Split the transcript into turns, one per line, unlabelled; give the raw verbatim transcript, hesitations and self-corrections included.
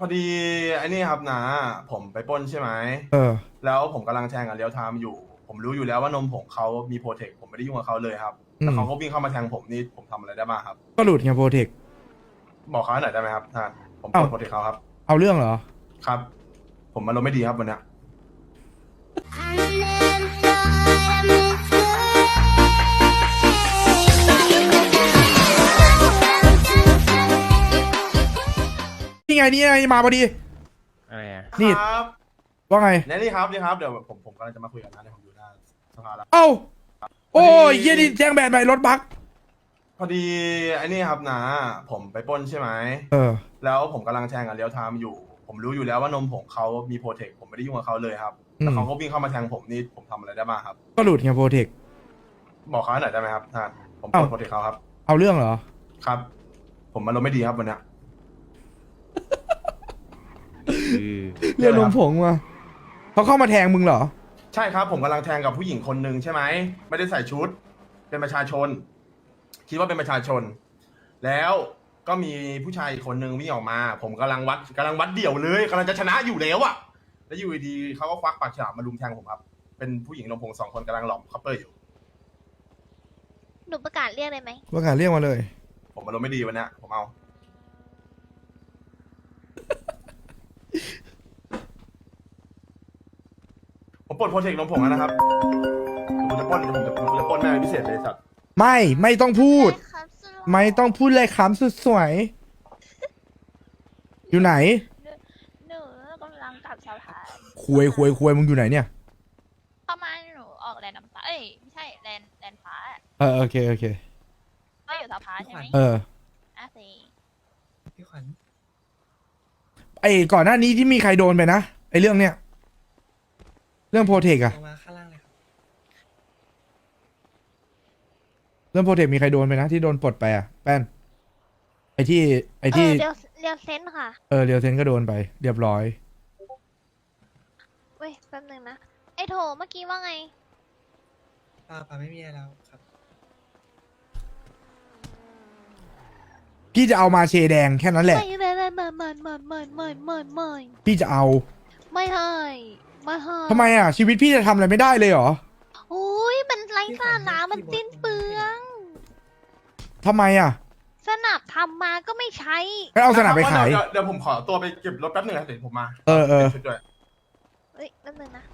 พอดีไอ้นี่ครับนะผมไปปล้นใช่ไหม
เออ
แล้วผมกำลังแทงกับเลี้ยวไทม์อยู่ ผมรู้อยู่แล้วว่านมผงเขามีโปรเทคผมไม่ได้ยุ่งกับเขาเลยครับ
อืม
แต่เขาก็วิ่งเข้ามาแทงผมนี่ผมทำอะไรได้บ้างครับ
ก็หลุดไงโปรเทค
บอกเขาหน่อยได้ไหมครับท่านผมป
เอ้า
ลดโปรเทคเขาครับ
เอาเรื่องเหรอ
ครับ ผมมันลมณ์ไม่ดีครับวันเนี้ย
นี่ไงนี่ไงมาพอดี
อะไรอ่ะ
นี่
ครับ
ว่าไง
เนี่ยนี่ครับนี่ครับเดี๋ยวผมผมกำลังจะมาคุยกับน้าเนี่ยผมอยู่หน้าสภาแล้ว
เอ้า โอ้ย
พอดี
เยี่ยนี่แจ้งแบนใหม่รถบัก
พอดีไอ้นี่ครับนะผมไปปล้นใช่ไหม
เออ
แล้วผมกำลังแทงกับเลี้ยวไทม์อยู่ ผมรู้อยู่แล้วว่านมผงเขามีโปรเทคผมไม่ได้ยุ่งกับเขาเลยครับแต่เขาก็วิ่งเข้ามาแทงผมนี่ผมทำอะไรได้บ้างครับ
ก็หลุดไงโปรเทค
บอกเขาหน่อยได้ไหมครับท่านผมปล
เอ้า
ดโปรเทคเขาครับ
เอาเรื่องเหรอ
ครับ ผมมันลมณ์ไม่ดีครับวันเนี้ย
คือ
เรียกนมผงมาเขาเข้ามาแทงมึงเหรอ
ใช่ครับผมกำลังแทงกับผู้หญิงคนหนึ่งใช่ไหมไม่ได้ใส่ชุด เป็นประชาชน คิดว่าเป็นประชาชน แล้วก็มีผู้ชายอีกคนหนึ่งวิ่งออกมา ผมกำลังวัดกำลังวัดเดี่ยวเลยกำลังจะชนะอยู่แล้วอะแล้วอยู่ดีๆเขาก็ควักปากฉลามมาลุมแทงผมครับ เป็นผู้หญิงลำพงสองคนกำลังหลอมคัพเปอร์อยู่
หนูประกาศเรียกเลยไหม
ประกาศเรียกมาเลย
ผมมันลมณ์ไม่ดีวันเนี้ยผมเอา ผมปลดโปรเทคลมผงแล้วนะครับผมจะปล้นผมจะผมจะปล้นแม่เป็นพิเศษเลยสัตว์
ไม่ ไม่ต้องพูด
ได้ครับสุดหล่
ไม่ต้องพูดเลยคำสุดสวย อยู่ไหน
หนูกำลังกลับสะพาน
คุยคุยคุยมึงอยู่ไหนเนี่ย
เข้ามาหนูออกแลนด์น้ำตาเอ้ยไม่ใช่แลนด์แลนด์ฟ้า
เออ โอเค โอเค
ก็อยู่สะพานใช่ไหม
เออ
อ่ะสิ
พี่ขวัญ
ไอ้ก่อนหน้านี้ที่มีใครโดนไปนะ ไอ้เรื่องเนี้ย เรื่องโปรเทคอะ
ลงมาข้างล่างเลยครับ
เรื่องโปรเทคมีใครโดนไปนะที่โดนปลดไปอะแป้น ไอ้ที่ ไอ้
เอ
ที่
อเรียวเรียวเซนค่ะ
เออเรียวเซนก็โดนไป เรียบร้อย
เว้ยแป๊บนึงนะไอ้โถเมื่อกี้ว่าไง
ป้าป้าไม่มีอะไรแล้วครับ
พี่จะเอามาเชแดงแค่นั้นแหละ
ไม่ไม่ไม่ไม่ไม่ไม่ไม่ไม่ไม่ไม่
พี่จะเอา
ไม่ให้ไม่ให้
ทำไมอ่ะ ชีวิตพี่จะทำอะไรไม่ได้เลยเหรอ
โอ้ยมันไร้สาระมันสิ้นเปลือง
ทำไมอ่ะ
สนับทำมาก็ไม่ใช้
งั้นเอาสนามไปขาย
เดี๋วเดี๋ยวผมขอตัวไปเก็บรถแป๊บหนึงนะเดี๋ยวผมมา
เออเออ
ชุดด้วย
เอ้ยแป๊บนึงนะ